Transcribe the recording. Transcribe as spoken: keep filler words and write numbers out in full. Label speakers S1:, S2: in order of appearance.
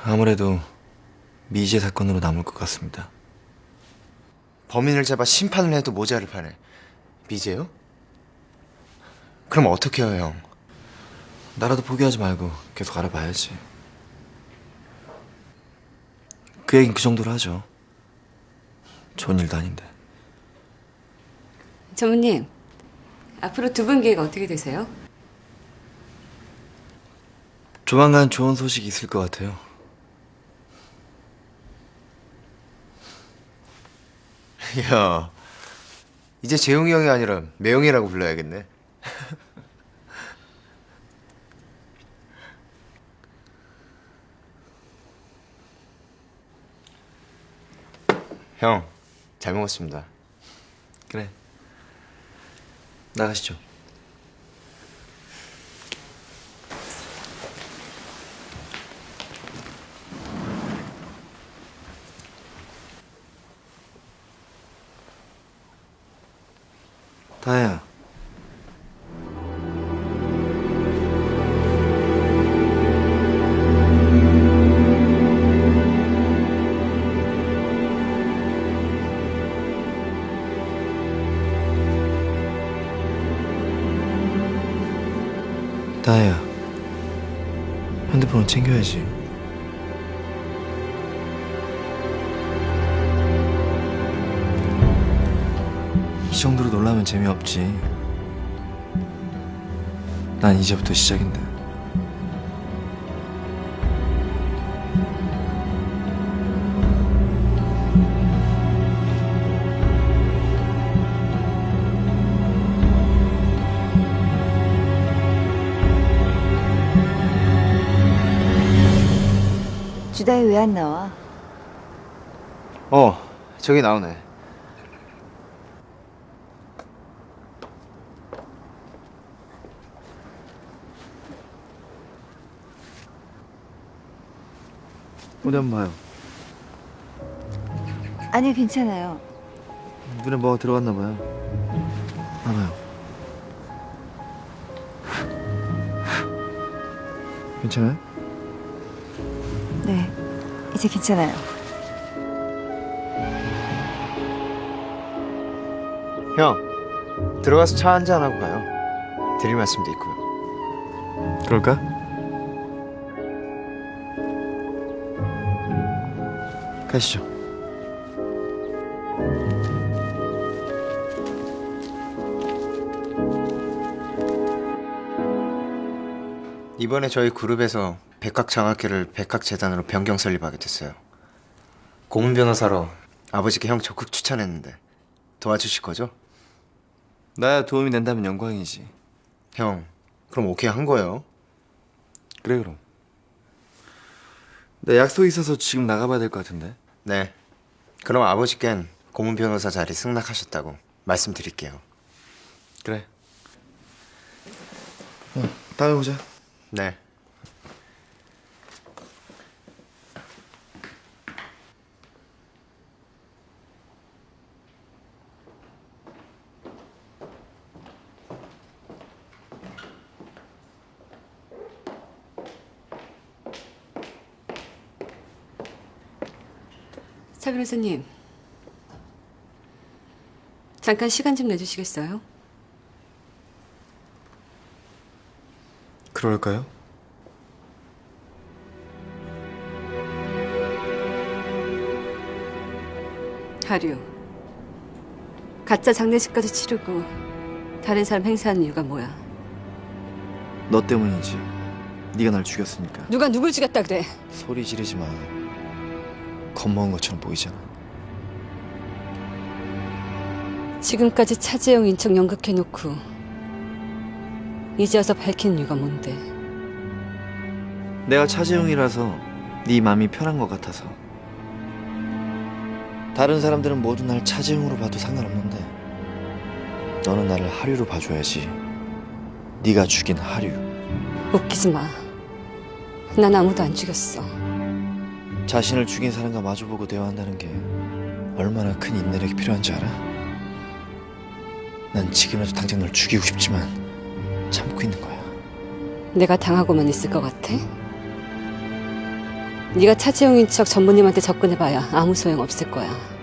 S1: 아무래도 미제 사건으로 남을 것 같습니다.
S2: 범인을 잡아 심판을 해도 모자를 파네. 미제요? 그럼 어떻게 해요, 형?
S1: 나라도 포기하지 말고 계속 알아봐야지. 그 얘긴 그 정도로 하죠. 좋은 일도 아닌데.
S3: 전무님, 앞으로 두 분 계획 어떻게 되세요?
S1: 조만간 좋은 소식이 있을 것 같아요.
S2: 야, 이제 재용이 형이 아니라 매형이라고 불러야겠네. 형, 잘 먹었습니다.
S1: 그래. 나가시죠. 다혜야. 다혜야. 핸드폰은 챙겨야지. 이 정도로 놀라면 재미없지. 난 이제부터 시작인데.
S4: 주다혜 왜 안 나와?
S2: 어, 저기 나오네.
S1: 어디 한번 봐요.
S4: 아니요, 괜찮아요.
S1: 눈에 뭐가 들어갔나 봐요. 하나요. 괜찮아요?
S4: 네, 이제 괜찮아요.
S2: 형, 들어가서 차 한잔 하고 가요. 드릴 말씀도 있고요.
S1: 그럴까? 가시죠.
S2: 이번에 저희 그룹에서 백학장학회를 백학재단으로 변경 설립하게 됐어요. 고문 변호사로 아버지께 형 적극 추천했는데 도와주실 거죠?
S1: 나야 도움이 된다면 영광이지.
S2: 형, 그럼 오케이 한 거예요?
S1: 그래 그럼. 나 약속 있어서 지금 나가봐야 될 것 같은데.
S2: 네. 그럼 아버지께는 고문 변호사 자리 승낙하셨다고 말씀드릴게요.
S1: 그래. 어, 다음에 보자.
S2: 네.
S3: 차 변호사님, 잠깐 시간 좀 내주시겠어요?
S1: 그럴까요?
S3: 하류, 가짜 장례식까지 치르고 다른 사람 행사하는 이유가 뭐야?
S1: 너 때문이지. 네가 날 죽였으니까.
S3: 누가 누굴 죽였다 그래?
S1: 소리 지르지 마. 겁먹은 것처럼 보이잖아.
S3: 지금까지 차재영 인척 연극해놓고 이제 와서 밝힌 이유가 뭔데?
S1: 내가 차재용이라서 네 마음이 편한 것 같아서. 다른 사람들은 모두 날 차재용으로 봐도 상관없는데 너는 나를 하류로 봐줘야지. 네가 죽인 하류.
S3: 웃기지 마. 난 아무도 안 죽였어.
S1: 자신을 죽인 사람과 마주보고 대화한다는 게 얼마나 큰 인내력이 필요한지 알아? 난 지금이라도 당장 널 죽이고 싶지만 참고 있는 거야.
S3: 내가 당하고만 있을 것 같아? 네가 차지용인 척 전무님한테 접근해봐야 아무 소용 없을 거야.